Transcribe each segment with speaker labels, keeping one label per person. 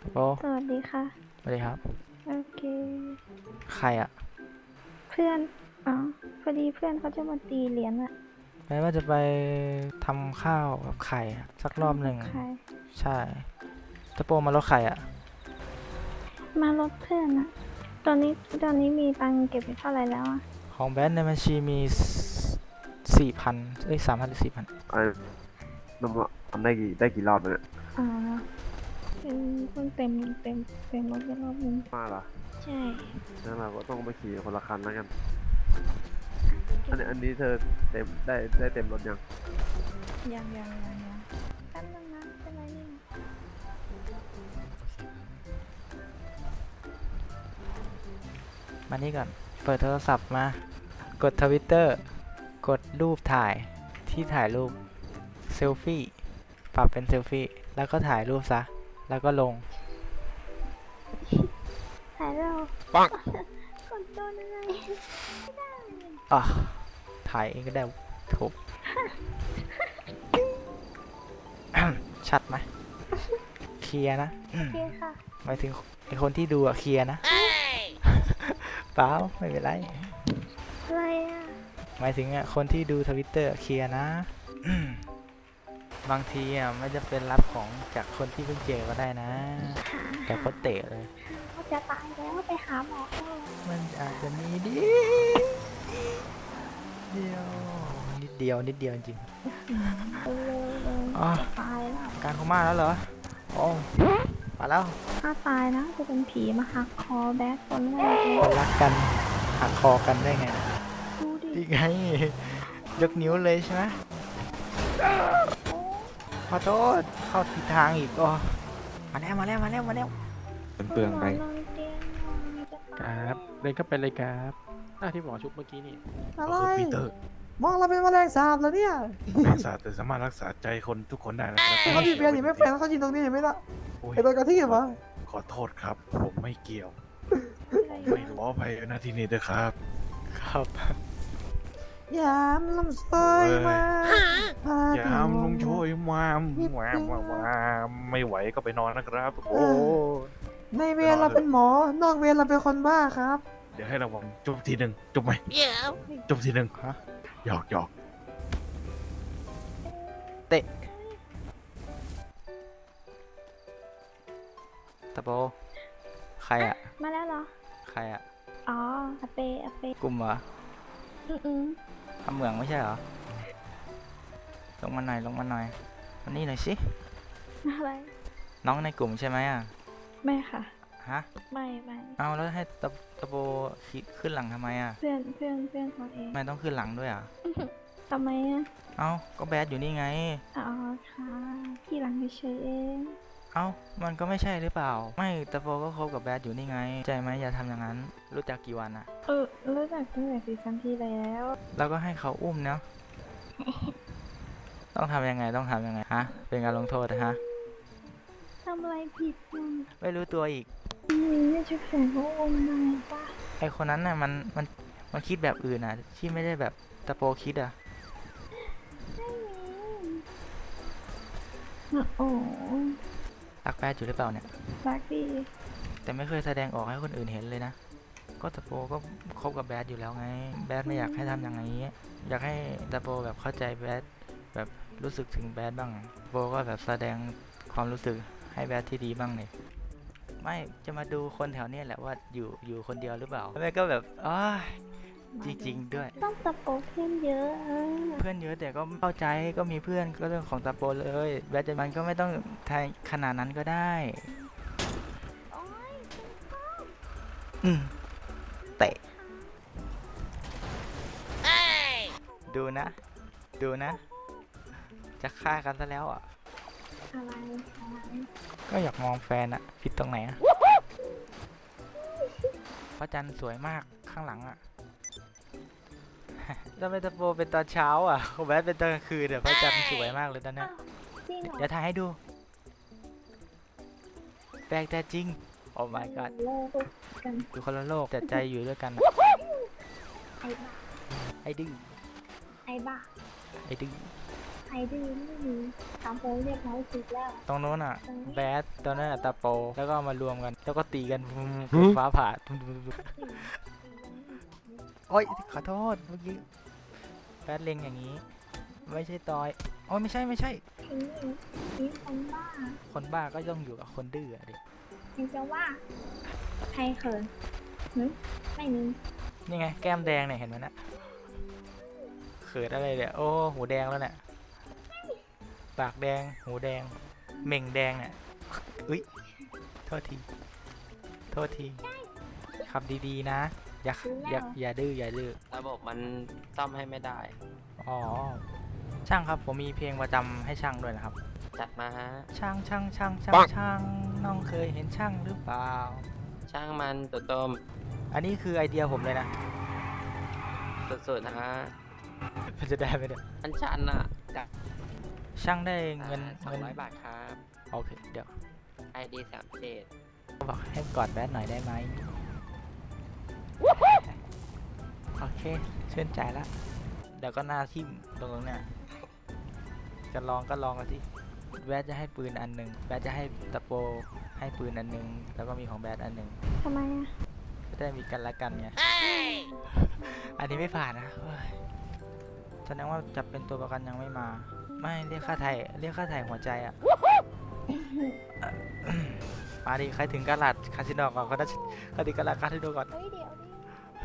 Speaker 1: โอ้
Speaker 2: สวัสดีค่ะ
Speaker 1: สวัสดีครับ
Speaker 2: โอเค
Speaker 1: ใครอะ
Speaker 2: เพื่อนอ๋อพอดีเพื่อนเขาจะมาตีเหรียญอะ
Speaker 1: แม้ว่าจะไปทำข้าวกับไข่อะสักร
Speaker 2: ข้าว
Speaker 1: อบหนึ่ง
Speaker 2: กับใคร
Speaker 1: ใช่ตะโปมารถไข่อะ
Speaker 2: มารถเพื่อนอะตอนนี้มีตังค์เก็บไปเท่าไหร่แล้วอะ
Speaker 1: ของแบนในบัญชีมี4,0003,000หรือ4,000
Speaker 3: ไอ้น้ำทำได้กี่รอบแล้วเนี่ย
Speaker 2: อ๋อเพิ่งเต็มรถไปรอบนึง
Speaker 3: มาเหรอ
Speaker 2: ใช่
Speaker 3: นั่นเราก็ต้องไปขี่คนละคันแล้วกันอันนี้เธอได้เต็มรถยัง
Speaker 2: ยังแป๊บนึงนะเป็นไรเนี่ย
Speaker 1: มานี่ก่อนเปิดโทรศัพท์มากดทวิตเตอร์กดรูปถ่ายที่ถ่ายรูปเซลฟี่ปรับเป็นเซลฟี่แล้วก็ถ่ายรูปซะแล้วก็ลง
Speaker 2: ถ่ายเรา
Speaker 1: ปัง
Speaker 2: กดโดนอะไรไม่ได้
Speaker 1: อ่ะถ่ายเองก็ได้ถูก ชัดไหมเคลียร์นะ
Speaker 2: โอเคค่ะ
Speaker 1: หมายถึงไอคนที่ดูอะเคลียร์นะ เปล่าไม่เป็นไร
Speaker 2: อะไรอะ
Speaker 1: หมายถึงอะคนที่ดูทวิตเตอร์เคลียร์นะ บางทีอะไม่จะเป็นรับของจากคนที่เพิ่งเจอก็ได้นะแต่ก็เตะเลย
Speaker 2: เขาจะตายแล้วไปหาหมอเถอะ
Speaker 1: มันอาจจะมีเดียวนิดเดียวจริง
Speaker 2: เร็ว
Speaker 1: ๆอ๋อ
Speaker 2: จะตายแล้ว
Speaker 1: การเขามาแล้วเหรอโอ้มาแล้ว
Speaker 2: ถ้าตายนะจะเป็นผีมาหักคอแบทคนแรกเลย
Speaker 1: คนรักกันหักคอกันได้ไงนะ
Speaker 2: ดูดิ
Speaker 1: ดีไงยกนิ้วเลยใช่ไหมขอโทษเข้าผิดทางอีกอ๋อมาแล้ว
Speaker 4: เปลืองไป
Speaker 2: นอนเตียงนอนจะ
Speaker 4: ค
Speaker 2: ตาย
Speaker 4: รับเล่นก็เป็นเลยครับที่หมอชุบเมื่อกี้นี่
Speaker 5: อะไร
Speaker 6: ก็คือปีเตอร์
Speaker 5: มองเราเป็นแมลงสาบแล้วเนี่ย
Speaker 6: รักษาแต่สามารถรักษาใจคนทุกคนได้นะครับ
Speaker 5: เขาดีเบียร์หนีไม่แฟนเขายินตรงนี้เห็นไหมล่ะ
Speaker 6: โอ้ย
Speaker 5: ไอ้โดนกระทืบวะ
Speaker 6: ขอโทษครับ ผมไม่เกี่ยว ไม่ขออภัยนะที่นี่ด้วยครับ
Speaker 1: ครับ
Speaker 5: ยามลำซอยมาพ
Speaker 6: อย่าห้ามลุงช่วยมาไม่ไหวก็ไปนอนนะครับ โอ้
Speaker 5: ในเวรเราเป็นหมอนอกเวรเราเป็นคนบ้าครับ
Speaker 6: เดี๋ยวให้ระวังจุบทีหนึ่งจุบไหมจุบทีหนึ่ง
Speaker 1: ฮะ
Speaker 6: หยอก
Speaker 1: เตะตะโบใครอะ
Speaker 2: มาแล้วเหรอ
Speaker 1: ใครอะ
Speaker 2: อ๋ออาเป
Speaker 1: กลุ่มเหรอ
Speaker 2: อืม
Speaker 1: ทำเหมืองไม่ใช่เหรอลงมาหน่อยมานี่หน่อยสิ
Speaker 2: อะไร
Speaker 1: น้องในกลุ่มใช่ไหมอะ
Speaker 2: ไม่ค่ะ
Speaker 1: ฮะ
Speaker 2: ไม่
Speaker 1: เอาแล้วให้ตะโบขี่ขึ้นหลังทำไมอะ
Speaker 2: เพื่อนเขาเอง
Speaker 1: ทำไมต้องขึ้นหลังด้วยอะ
Speaker 2: ทำไมอะ
Speaker 1: เอาก็แบดอยู่นี่ไง
Speaker 2: อ๋อค่ะพี่หลังเฉยๆเอง
Speaker 1: เอามันก็ไม่ใช่หรือเปล่า ไม่ตะโบก็คบกับแบดอยู่นี่ไงใจไหมอย่าทำอย่างนั้น รู้จักกี่วันอะ
Speaker 2: รู้จักตั้งแต่ซีซั่นที่แล้ว
Speaker 1: แล้วก็ให้เขาอุ้มเนาะ ต้องทำยังไงฮะ เป็นการลงโทษนะฮะ
Speaker 2: ทำอะไรผิดมั้ง
Speaker 1: ไม่รู้ตัวอีก
Speaker 2: ไม่ใช่แฟนเขาองค์นายปะ
Speaker 1: ไอคนนั้นน่ะมันคิดแบบอื่นอ่ะ ที่ไม่ได้แบบตะโปคิดอ่ะ
Speaker 2: โอ้
Speaker 1: รักแบดอยู่หรือเปล่าเนี่ย
Speaker 2: รักดี
Speaker 1: แต่ไม่เคยแสดงออกให้คนอื่นเห็นเลยนะ ก็ตะโปก็คบกับแบดอยู่แล้วไง แบดไม่อยากให้ทำอย่างนี้ อยากให้ตะโปแบบเข้าใจแบดแบบรู้สึกถึงแบดบ้างโปก็แบบแสดงความรู้สึกให้แบดที่ดีบ้างเลยไม่จะมาดูคนแถวเนี้ยแหละว่าอยู่คนเดียวหรือเปล่าแม่ก็แบบอ้าจริงๆด้วย
Speaker 2: ต้องตะโปเพื่อนเยอะ
Speaker 1: เพื่อนเยอะแต่ก็เข้าใจก็มีเพื่อนก็เรื่องของตะโปเลยแบดมันก็ไม่ต้องทายขนาดนั้นก็ได้อืมเตะดูนะ จะฆ่ากันซะแล้วอ่ะ
Speaker 2: อะไร
Speaker 1: ก็อยากมองแฟนอะผิดตรงไหนอะพระจันทร์สวยมากข้างหลังอะ แล้วไปตะโปเป็นตอนเช้าอ่ะแบดเป็นตอนกลางคืนเดี๋ยวพระจันทร์สวยมากเลยตอนเนี้ย
Speaker 2: จริงเหรอ
Speaker 1: เดี๋ยวถ่ายให้ดู แปลกแต่จริง โอ้ my god
Speaker 2: โลกกัน
Speaker 1: อยู่คนละโลกแต่ใจอยู่ด้วยกันอะ
Speaker 2: ไอ้บ้า
Speaker 1: ไอ้ดื้อ
Speaker 2: ไอ้บ้า
Speaker 1: ไอ้ดื้อ
Speaker 2: ไรดื้อไม่มีถามโพเรียบร้อยสุดแล้ว
Speaker 1: ตรงโน้นอ่ะ
Speaker 2: ตรงนี้
Speaker 1: แบดตอนนั้นอะตาโป แล้วก็เอามารวมกัน แล้วก็ตีกันฟ้าผ่าโอ๊ยขอโทษเมื่อกี้แบดเล็งอย่างนี้ ไม่ใช่ตอยโอ้ยไม่ใช่
Speaker 2: นี่คนบ้า
Speaker 1: คนบ้าก็ต้องอยู่กับคนดื้ออะดิ
Speaker 2: ใครจะว่าใครเขินไม่มี
Speaker 1: นี่ไงแก้มแดงเนี่ยเห็นไหมนะเขินอะไรเนี่ยโอ้หูแดงแล้วเนี่ยปากแดงหูแดงเหม่งแดงเนี่ยอุ้ยโทษทีขับดีๆนะอย่าดื้อ
Speaker 7: ระบบมันซ่อมให้ไม่ได้
Speaker 1: อ๋อช่างครับผมมีเพลงประจำให้ช่างด้วยนะครับ
Speaker 7: จัดมาฮะ
Speaker 1: ช่างน้องเคยเห็นช่างหรือเปล่า
Speaker 7: ช่างมันตัวต้ม
Speaker 1: อันนี้คือไอเดียผมเลยนะ
Speaker 7: สุดๆนะฮะ
Speaker 1: มันจะได้ไหมเนี่ย
Speaker 7: อันชันอ่ะจาก
Speaker 1: ช่างได้เงิน
Speaker 7: 200 บาทครับ
Speaker 1: โอเคเดี๋ยว
Speaker 7: ID 37
Speaker 1: บอกให้กอดแบดหน่อยได้ไหมโอเคชื่นใจละเดี๋ยวก็หน้าทิ่มตรงเนี่ยจะลองกันที่แบดจะให้ปืนอันหนึ่งแบดจะให้ตะโปให้ปืนอันหนึ่งแล้วก็มีของแบดอันหนึ่ง
Speaker 2: ทำไมอ่ะ
Speaker 1: จะได้มีกันและกันไงอันนี้ไม่ผ่านนะเฮ้ยแสดงว่าจับเป็นตัวประกันยังไม่มา ไม่เรียกค่าไถ่หัวใจอะ มาดิใครถึงกาลาดคาสิโนก่อนก็ได้ใครถึงกาลาดคาสิโนก่อน
Speaker 2: เฮ้ยเดี๋ยวดิ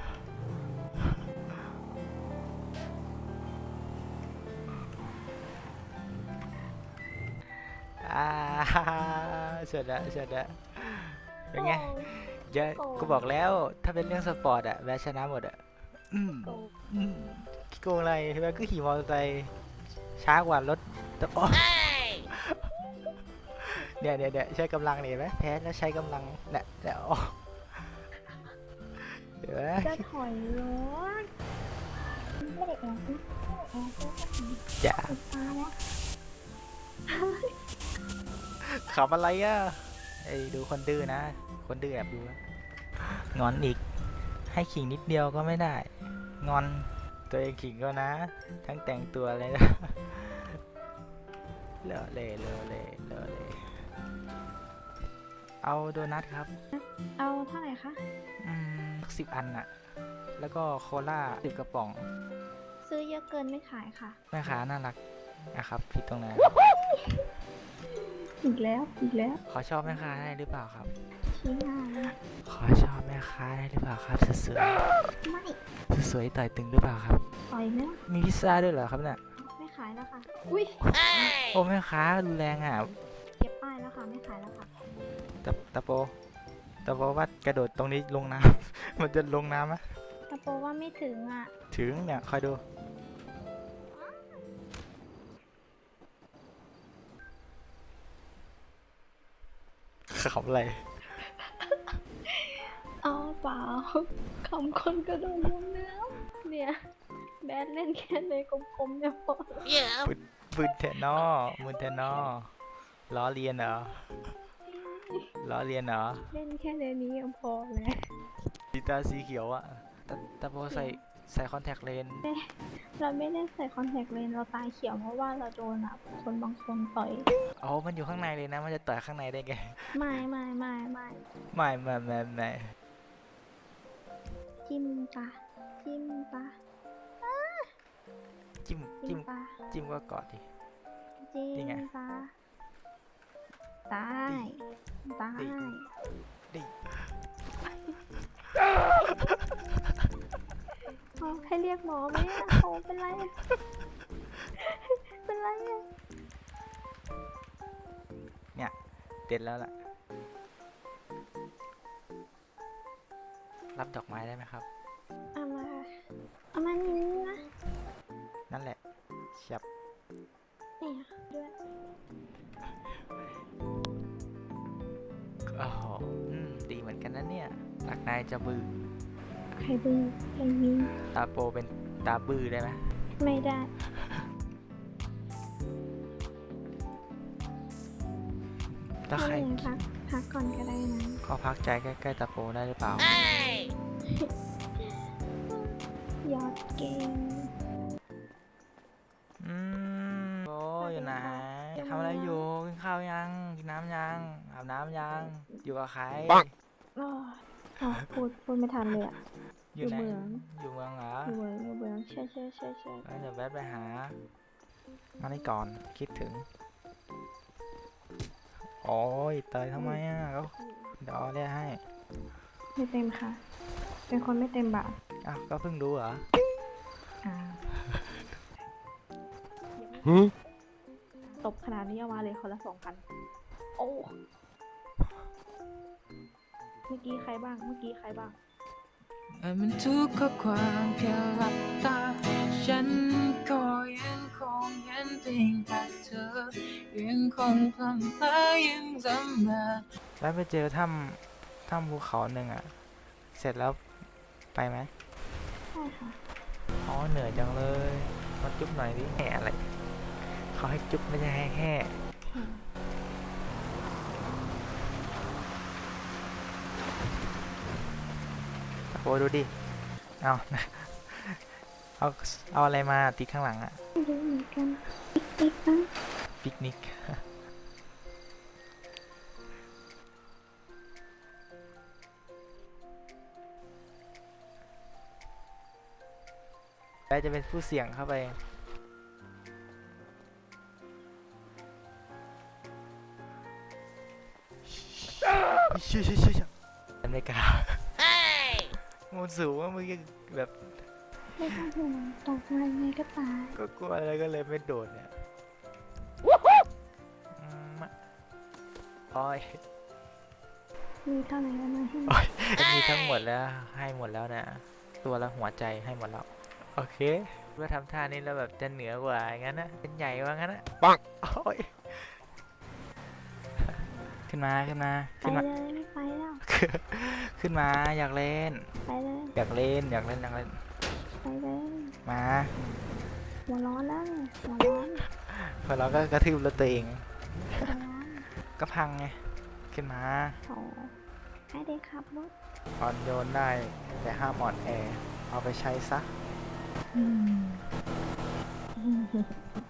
Speaker 1: อ่าเฉิดละเป็นไงเยอะกูบอกแล้วถ้าเป็นเรื่องสปอร์ตอะแบชชนะหมดอะขี้โกงอะไรแบชก็ขี่มอเตอร์ไซค์ช้ากว่ารถแต่โอ้เนี่ยใช้กำลังเนี่ยเห็นไหมแพ้แล้วใช้กำลังเนี่ยโอ้เดี๋ยวนะ
Speaker 2: จะถอยรถไม่ได้แอบนะแอบก็ถึง
Speaker 1: อย่า
Speaker 2: ติดตาแล้ว
Speaker 1: ขำอะไรอ่ะไอ้ดูคนดื้อนะ คนดื้อแอบดูนะงอนอีก ให้ขิงนิดเดียวก็ไม่ได้ งอนตัวเองขิงก็นะ ทั้งแต่งตัวเลยนะ เลอะเล่เอาโดนัทครับ
Speaker 2: เอาเท่าไหร่คะ
Speaker 1: 10 อันอะแล้วก็โคลา10 กระป๋อง
Speaker 2: ซื้อเยอะเกินไม่ขายค่ะ
Speaker 1: แม่ค้าน่ารักนะครับผิดตรงไหน
Speaker 2: อีกแล้ว
Speaker 1: ขอชอบแม่ค้าได้หรือเปล่าครับ
Speaker 2: ชี้หน้าเลย
Speaker 1: ขอชอบแม่ค้าได้หรือเปล่าครับสวย
Speaker 2: ไม่
Speaker 1: ๆสวยๆต่อยตึงหรือเปล่าครับ
Speaker 2: ปล่อยไหม
Speaker 1: มีพิซซ่าด้วยเหรอครับเนี่ย
Speaker 2: ไม่ขายแล้วค่ะ อุ้ย
Speaker 1: โอ้แม่ค้ารุนแรงอ่ะ
Speaker 2: เก็บป้ายแล้วค่ะ ไม่ขายแล้วค่ะ
Speaker 1: ตะโปว่ากระโดดตรงนี้ลงน้ำ มันจะลงน้ำไหม
Speaker 2: ตะโปว่าไม่ถึงอ่ะ
Speaker 1: ถึงเนี่ยคอยดูขำอะไร
Speaker 2: เอาเปล่าคำคนกระโดดลงน้ำเนี่ย แบดเล่นแค่ในกลมๆเนี่ยพอ
Speaker 1: มืนเทนนอมืนเทนนอล้อเลียนเหรอ
Speaker 2: เล่นแค่ในนี้ยังพอเลย
Speaker 1: สีตาสีเขียวอะตะโปใส่คอนแทคเลนส์
Speaker 2: เราไม่ได้ใส่คอนแทคเลนส์เราตาเขียวเพราะว่าเราโดนคนบางคนต่อย
Speaker 1: อ๋อมันอยู่ข้างในเลยนะ มันจะต่อยข้างในได้ไง
Speaker 2: ไม่
Speaker 1: ไม่
Speaker 2: จิ้มปะ
Speaker 1: จิ้ม
Speaker 2: จิ้มปะ
Speaker 1: จิ้มก็กอดดิ
Speaker 2: จิ้
Speaker 1: นี่ไง
Speaker 2: มปะตาย
Speaker 1: ดิ
Speaker 2: เอาให้เรียกหมอไหมอะโอ้เป็นไรอะเป็นไรอะ
Speaker 1: เด็ดแล้วล่ะ รับดอกไม้ได้ไหมครับ
Speaker 2: เอามานี่นะ
Speaker 1: นั่นแหละเฉียบ
Speaker 2: เนี่ยด้วย
Speaker 1: โอ้โหดีเหมือนกันนะเนี่ยรักนายจะบื้อ
Speaker 2: ใครบื้อใครยิง
Speaker 1: ตาโปเป็นตาบื้อได้ไหม
Speaker 2: ไม่ได้
Speaker 1: ถ้าใคร
Speaker 2: ไม่เป็นไรพักก่อนก็ได้นะ
Speaker 1: ก็พักใจใกล้ๆตาโปได้หรือเปล่า
Speaker 2: ยอดเก่ง
Speaker 1: โอ้ทำอะไรอยู่กินข้าวยังกินน้ำยังอาบน้ำยังอยู่กับใคร
Speaker 2: อ๋ออ๋อพูดไม่ทันเลยอ่ะ
Speaker 1: อยู่ไหน
Speaker 2: อยู่เมือง
Speaker 1: อยู่เมืองเหรอ
Speaker 2: อยู่เมืองใช่
Speaker 1: งั้นเดี๋ยวแวะไปหามานี่ก่อนคิดถึงโอ้ยเตยทำไมอ่ะก็เดี๋ยวเอาเรียกให้
Speaker 2: ไม่เต็มค่ะ เป็นคนไม่เต็มบาท
Speaker 1: อ้าวก็เพิ่งรู้เหรอ
Speaker 2: อ่าตบขนาดนี้เอามาเลยคนละ 2,000 โอ้เมื่อกี้ใครบ้าง
Speaker 5: มันทุกข้อความแค่หลับตา ฉันก็ยังคงเห็นเพียงแต่เธอ ยังคงพลันพลายังจำมา
Speaker 1: แล้วไปเจอถ้ำภูเขาหนึ่งอ่ะ เสร็จแล้วไปไหม
Speaker 2: ใช่ค่ะ
Speaker 1: อ๋อเหนื่อยจังเลยมาจุ๊บหน่อยดิแห่อะไรเขาให้จุ๊บไม่ใช่ให้แห่โอ้ดูดิเอา เอาอะไรมาติดข้างหลังอะ
Speaker 2: ไม่รู้เหมือนกันติ๊กนะ
Speaker 1: ปิกนิก แปจะเป็นผู้เสี่ยงเข้าไปชิไม่กล้ามันสูงว่ามึงยังแบบ
Speaker 2: ไม่ต้องห่วงตกมายังไงก็ตาย
Speaker 1: ก็กลัวอะไรก็เลยไม่โดดเนี่ยโอ้ย
Speaker 2: มีเท่าไหร่ก็มาให้
Speaker 1: มีทั้งหมดแล้วให้หมดแล้วนะ ตัวละหัวใจให้หมดแล้ว โอเคว่าทำท่านี้แล้วแบบจะเหนือกว่าอย่างนั้นนะเป็นใหญ่ว่างั้นนะปังโอ้ยขึ้นมา
Speaker 2: ไปเลยไม่ไปแล้ว
Speaker 1: ขึ้นมาอยากเล่น
Speaker 2: ไปเลย
Speaker 1: อยากเล่น
Speaker 2: ไปเลย
Speaker 1: มา
Speaker 2: หัวร้อนแล้วเนี่ยหัวร้อน
Speaker 1: พอเราก็กระทืบรถตัวเอง
Speaker 2: หัวร้อน
Speaker 1: ก็พังไง ขึ้นมา
Speaker 2: โอ้ให้เด็กขับรถ
Speaker 1: อ่อนโยนได้ แต่ห้ามอ่อนแอ เอาไปใช้ซะ